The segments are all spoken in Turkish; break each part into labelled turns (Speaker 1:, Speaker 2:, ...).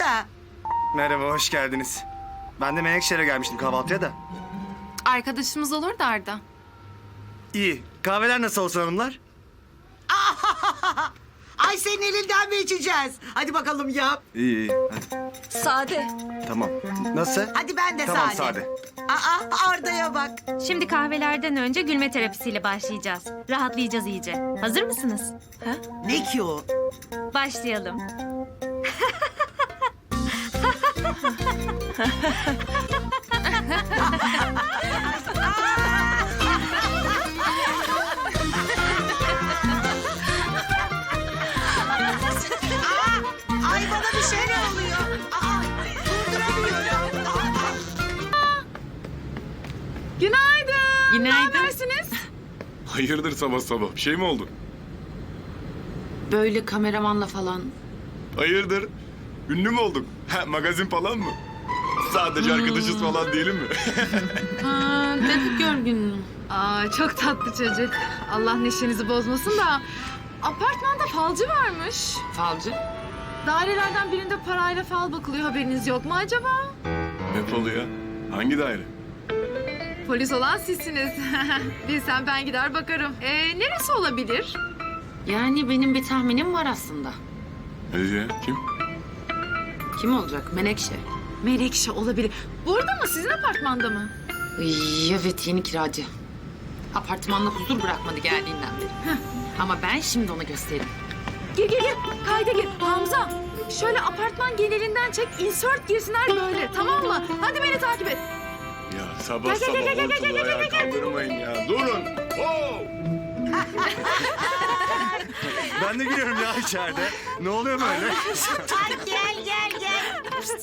Speaker 1: da.
Speaker 2: Merhaba, hoş geldiniz. Ben de Menekşehir'e gelmiştim kahvaltıya da.
Speaker 3: Arkadaşımız olur da Arda.
Speaker 2: İyi. Kahveler nasıl olsun hanımlar?
Speaker 1: Ay senin elinden mi içeceğiz? Hadi bakalım yap.
Speaker 2: İyi. Hadi.
Speaker 4: Sade.
Speaker 2: Tamam. Nasıl?
Speaker 1: Hadi ben de
Speaker 2: Tamam,
Speaker 1: sade.
Speaker 2: sade.
Speaker 1: Arda'ya bak.
Speaker 5: Şimdi kahvelerden önce gülme terapisiyle başlayacağız. Rahatlayacağız iyice. Hazır mısınız?
Speaker 1: Ne ki o?
Speaker 5: Başlayalım.
Speaker 1: Ay bana bir şeyler oluyor. Durduramıyorum.
Speaker 3: Günaydın.
Speaker 5: Günaydın.
Speaker 3: Ne habersiniz?
Speaker 6: Hayırdır sabah sabah? Bir şey mi oldu?
Speaker 3: Böyle kameramanla falan.
Speaker 6: Hayırdır? Ünlü mü olduk? Ha, magazin falan mı? Sadece arkadaşız falan değilim mi?
Speaker 3: Dedik görgünlüğüm.
Speaker 7: Aa, çok tatlı çocuk. Allah neşenizi bozmasın da apartmanda falcı varmış.
Speaker 3: Falcı.
Speaker 7: Dairelerden birinde parayla fal bakılıyor, haberiniz yok mu acaba?
Speaker 6: Ne falı ya? Hangi daire?
Speaker 7: Polis olan sizsiniz. Bilsem ben gider bakarım. Neresi olabilir?
Speaker 3: Yani benim bir tahminim var aslında.
Speaker 6: Hadi ya, kim?
Speaker 3: Kim olacak? Menekşe.
Speaker 7: Menekşe olabilir. Burada mı? Sizin apartmanda mı?
Speaker 3: Evet, yeni kiracı. Apartmanda huzur bırakmadı geldiğinden beri. Ama ben şimdi ona gösteririm.
Speaker 7: Gir. Kayda gir. Hamza. Şöyle apartman genelinden çek. Insert girsinler böyle. Tamam mı? Hadi beni takip et.
Speaker 6: Ya sabah sabah ortalığı ayağa kaldırmayın ya. Durun! Oo!
Speaker 2: Ben de giriyorum ya içeride. Ne oluyor böyle?
Speaker 1: Ay gel.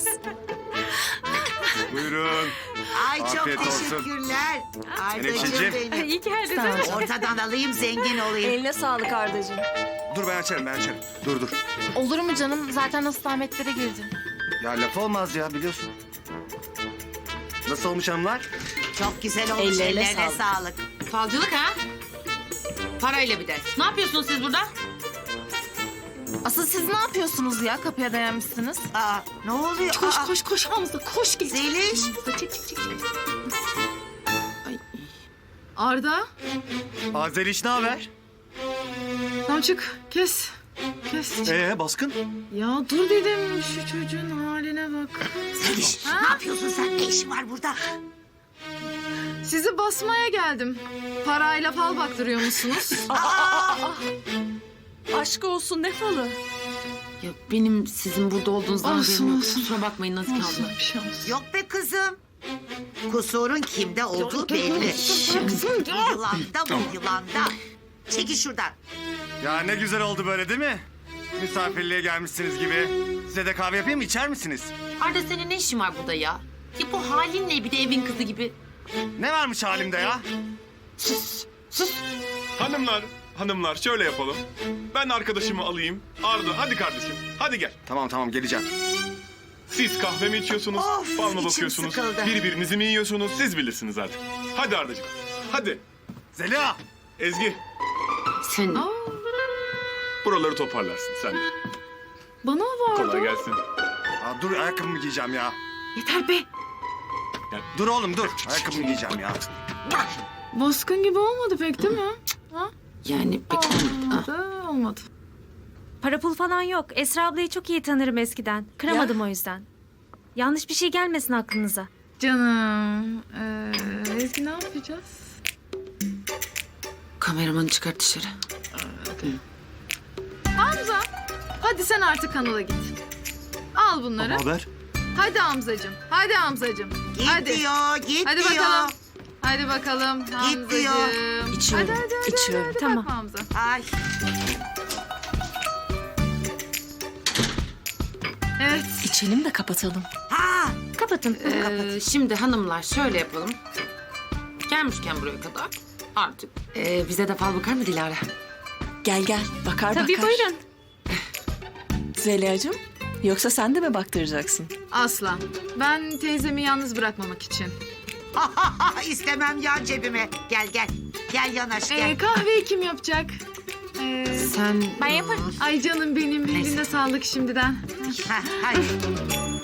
Speaker 2: Buyurun.
Speaker 1: Ay çok
Speaker 2: Afiyet olsun.
Speaker 1: teşekkürler. Ardacığım
Speaker 2: Menekşeciğim.
Speaker 1: benim.
Speaker 7: İyi ki geldiniz.
Speaker 1: Ortadan alayım zengin olayım.
Speaker 4: Eline sağlık Ardacığım.
Speaker 2: Dur ben açarım. Dur.
Speaker 3: Olur mu canım? Zaten nasıl Ahmetlere girdim.
Speaker 2: Ya laf olmaz ya biliyorsun. Nasıl olmuş hanımlar?
Speaker 1: Çok güzel olmuş.
Speaker 4: Ellerine
Speaker 1: Ellerine
Speaker 4: sağlık.
Speaker 1: sağlık.
Speaker 3: Falcılık ha? Parayla bir de. Ne yapıyorsunuz siz burada?
Speaker 8: Asıl siz ne yapıyorsunuz ya? Kapıya dayanmışsınız.
Speaker 1: Ne oluyor?
Speaker 7: Koş Hamza, koş git.
Speaker 1: Zeliş.
Speaker 7: Çek. Ay. Arda.
Speaker 2: Azeriş ne haber?
Speaker 7: Tamam çık. Kes.
Speaker 2: Baskın?
Speaker 7: Ya dur dedim, şu çocuğun haline bak.
Speaker 1: Zeliş ne yapıyorsun sen? Ne işin var burada?
Speaker 7: Sizi basmaya geldim. Parayla fal baktırıyor musunuz?
Speaker 4: Aşk olsun, ne falı?
Speaker 3: Ya benim sizin burada olduğunuzdan
Speaker 7: Olsun,
Speaker 3: haberim yok.
Speaker 7: olsun.
Speaker 3: Kusura bakmayın Nazik abla.
Speaker 7: Bir şey olsun.
Speaker 1: Yok be kızım. Kusurun kimde olduğu belli. Bu yılanda bu yılanda. Çekil şuradan.
Speaker 2: Ya ne güzel oldu böyle değil mi? Misafirliğe gelmişsiniz gibi. Size de kahve yapayım mı? İçer misiniz?
Speaker 3: Arda senin ne işin var burada ya? Ya bu halin ne bir de evin kızı gibi?
Speaker 2: Ne varmış halimde ya?
Speaker 3: Sus.
Speaker 6: Hanımlar şöyle yapalım. Ben arkadaşımı alayım. Arda hadi kardeşim. Hadi gel.
Speaker 2: Tamam geleceğim.
Speaker 6: Siz kahve mi içiyorsunuz?
Speaker 1: Of,
Speaker 6: Fal mı
Speaker 1: içim
Speaker 6: bakıyorsunuz?
Speaker 1: sıkıldı.
Speaker 6: Birbirinizi mi yiyorsunuz? Siz bilirsiniz artık. Hadi Ardacığım. Hadi.
Speaker 2: Zeliha!
Speaker 6: Ezgi
Speaker 3: Sen
Speaker 6: buraları toparlarsın sen de.
Speaker 7: Bana var.
Speaker 6: Kolay gelsin.
Speaker 2: Dur ayakkabımı giyeceğim ya.
Speaker 7: Yeter be.
Speaker 2: Dur oğlum dur. Ayakkabımı giyeceğim ya.
Speaker 7: Baskın gibi olmadı pek değil mi?
Speaker 3: yani pek olmadı.
Speaker 7: Olmadı.
Speaker 5: Para pul falan yok. Esra ablayı çok iyi tanırım eskiden. Kıramadım o yüzden. Yanlış bir şey gelmesin aklınıza.
Speaker 7: Canım. Ezgi ne yapacağız?
Speaker 3: Kameramanı çıkart dışarı.
Speaker 7: Hamza. Hadi sen artık kanala git. Al bunları.
Speaker 2: haber?
Speaker 7: Hadi Hamzacığım. Hadi Hamzacığım.
Speaker 1: Git
Speaker 7: Hadi.
Speaker 1: diyor, git
Speaker 7: Hadi
Speaker 1: diyor.
Speaker 7: bakalım. Hadi bakalım Hamzacığım.
Speaker 1: diyor.
Speaker 4: İçiyorum,
Speaker 7: Hadi,
Speaker 4: içiyorum.
Speaker 7: hadi
Speaker 5: Tamam.
Speaker 7: bakma Hamza.
Speaker 1: Ay.
Speaker 7: Evet.
Speaker 4: İçelim de kapatalım.
Speaker 5: Kapatın.
Speaker 3: Şimdi hanımlar şöyle yapalım. Gelmişken buraya kadar artık bize de fal bakar mı Dilara?
Speaker 4: Gel, bakar.
Speaker 5: Tabii buyurun.
Speaker 4: Zeliha'cığım, yoksa sen de mi baktıracaksın?
Speaker 7: Asla. Ben teyzemi yalnız bırakmamak için.
Speaker 1: İstemem yan cebime. Gel. Gel yanaş gel.
Speaker 7: Kahveyi kim yapacak?
Speaker 3: Sen
Speaker 5: Ben yaparım.
Speaker 7: Ay canım benim. Eline sağlık şimdiden.
Speaker 1: Hadi.